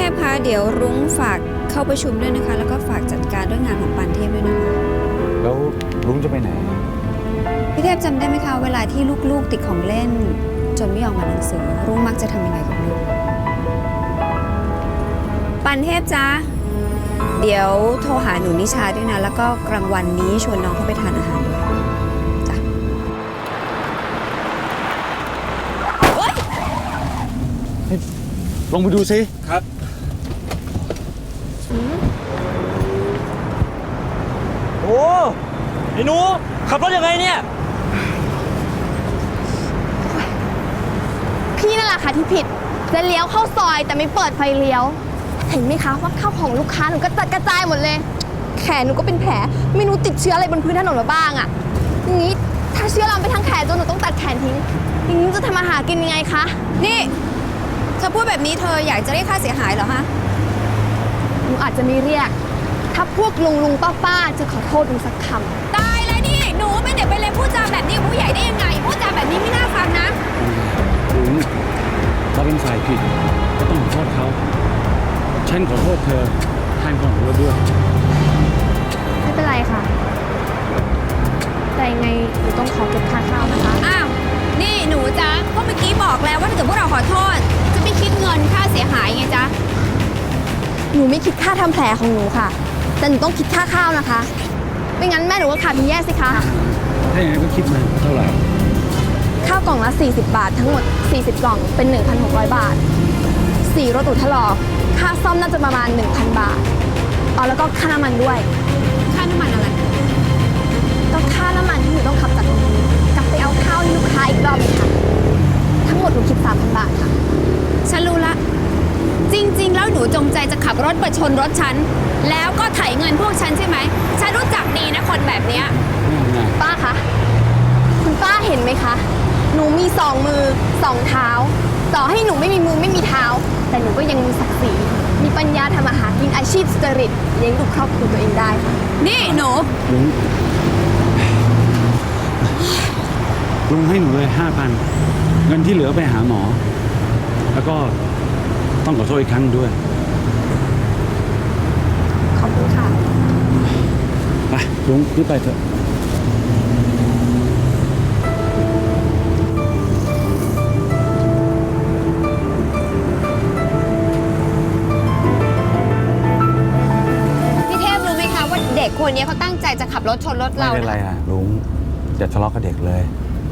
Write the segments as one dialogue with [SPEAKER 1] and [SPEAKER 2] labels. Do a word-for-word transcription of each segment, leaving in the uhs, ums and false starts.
[SPEAKER 1] พคะเดี๋ยวรุ้งฝากเข้าประชุมด้วยนะคะแล้วก็ฝากจัดการเรื่องงานของปานเทพด้วยนะคะ
[SPEAKER 2] แล้วรุ้งจะไปไหน
[SPEAKER 1] พี่เทพจำได้ไหมคะเวลาที่ลูกๆติดของเล่นจนไม่ยอมอ่านหนังสือรุ้งมักจะทำยังไงกับลูกปานเทพจ๊ะเดี๋ยวโทรหาหนูนิชาด้วยนะแล้วก็กลางวันนี้ชวนน้องเข้าไปทานอาหารด้วยจ้ะ
[SPEAKER 2] ลงไปดูสิ
[SPEAKER 3] ครับโอ้ไอ้หนูขับรถยังไงเนี่ย
[SPEAKER 4] พี่นั่นแหละค่ะที่ผิดจะเลี้ยวเข้าซอยแต่ไม่เปิดไฟเลี้ยวเห็นไหมคะว่าข้าวของลูกค้าหนูก็จัดกระจายหมดเลยแขนหนูก็เป็นแผลไม่รู้ติดเชื้ออะไรบนพื้นถนนมาบ้างอ่ะอย่างนี้ถ้าเชื้อลามไปทั้งแขนจนหนูต้องตัดแขนทิ้งอย่างนี้จะทำอาหารกินยังไงคะ
[SPEAKER 1] นี่เธอพูดแบบนี้เธออยากจะเรียกค่าเสียหายเหรอฮะ
[SPEAKER 4] หนูอาจจะไม่เรียกถ้าพวกลุงลุงป้าป้าจะขอโทษหนูสักค
[SPEAKER 1] ำตายแล้วนี่หนูเป็นเด็กไปเลยพูดจาแบบนี้กับผู้ใหญ่ได้ยังไงพูดจาแบบนี้ไม่น่าฟังนะ
[SPEAKER 2] รุ้งเราเป็นฝ่ายผิดก็ต้องขอโทษเขาฉันขอโทษเธอแทนคนของเราด้วย
[SPEAKER 4] ไม่เป็นไรค่ะแต่ยังไงหนูต้องขอเก็บค่าข้าวนะคะ
[SPEAKER 1] อ้าวนี่หนูจ๊ะก็เมื่อกี้บอกแล้วว่าถ้าเกิดพวกเราขอโทษจะไม่คิดเงินค่าเสียหายไงจ๊ะ
[SPEAKER 4] หนูไม่คิดค่าทำแผลของหนูค่ะแต่หนูต้องคิดค่าข้าวนะคะไม่งั้นแม่หนูก็ขาดทุนแย่สิคะ
[SPEAKER 2] ถ้าอย่างนั้นก็คิดมาเท่าไหร่
[SPEAKER 4] ข้าวกล่องละสี่สิบบาททั้งหมดสี่สิบกล่องเป็น หนึ่งพันหกร้อย บาทสี่รถอุดถลอกค่าซ่อมน่าจะประมาณ หนึ่งพัน บาทอ๋อแล้วก็ค่าน้ำมันด้วย
[SPEAKER 1] ค่าน้ำมันอะไร
[SPEAKER 4] ก็ค่าน้ำมันที่หนูต้องขับจากตรงนี้กลับไปเอาข้าวให้ลูกค้าอีกรอบนึงค่ะทั้งหมดหนูคิด สามพัน บาทค่ะ
[SPEAKER 1] ฉันรู้ละจริงๆแล้วหนูจงใจจะขับรถประชนรถฉันแล้วก็ไถเงินพวกฉันใช่ไหมฉันรู้จักดีนะคนแบบเนี้ย
[SPEAKER 4] ป้าคะคุณป้าเห็นไหมคะหนูมีสองมือสองเท้าต่อให้หนูไม่มีมือไม่มีเท้าแต่หนูก็ยังมีศักดิ์ศรีมีปัญญาทำอาหารกินอาชีพสุจริตเลี้ยงดูครอบครัวตัวเองได้ค่ะ
[SPEAKER 1] นี่หนู
[SPEAKER 2] ลุงลุงให้หนูเลยห้าพันเงินที่เหลือไปหาหมอแล้วก็ต้องขอโทษอีกครั้งด้วย
[SPEAKER 4] ขอบคุณค่ะ
[SPEAKER 2] ไปลุงรีบไปเถอะ
[SPEAKER 1] เด็กคนนี้เขาตั้งใจจะขับรถชนรถเรา
[SPEAKER 2] ไม่เป็นไรอ่ะลุงอย่าทะเลาะกับเด็กเลย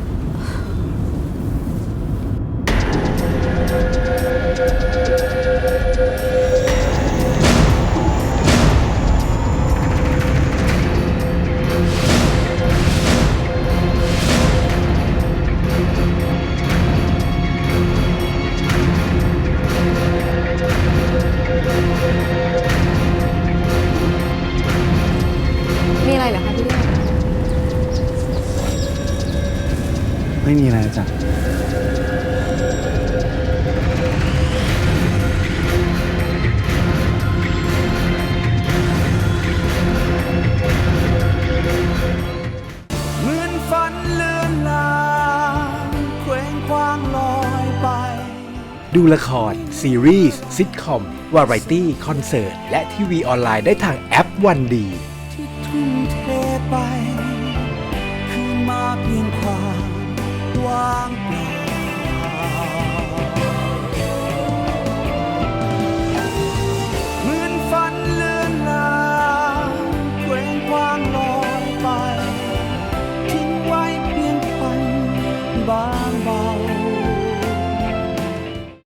[SPEAKER 1] มีอะไรเหรอคะพี่เลี้ย
[SPEAKER 2] ไม่มีอะไรจ้ะ
[SPEAKER 5] เหมือนฝันเลือนลางเคว้งคว้างลอยไป
[SPEAKER 6] ดูละครซีรีส์ซิทคอมวาไรตี้คอนเสิร์ตและทีวีออนไลน์ได้ทางแอปวันดี
[SPEAKER 5] ทุ่มเทไปคืนมาเพียงความว่างเปล่าเหมือนฝันเลือนลางเคว้งคว้างลอยไปทิ้งไว้เพียงฝันบาง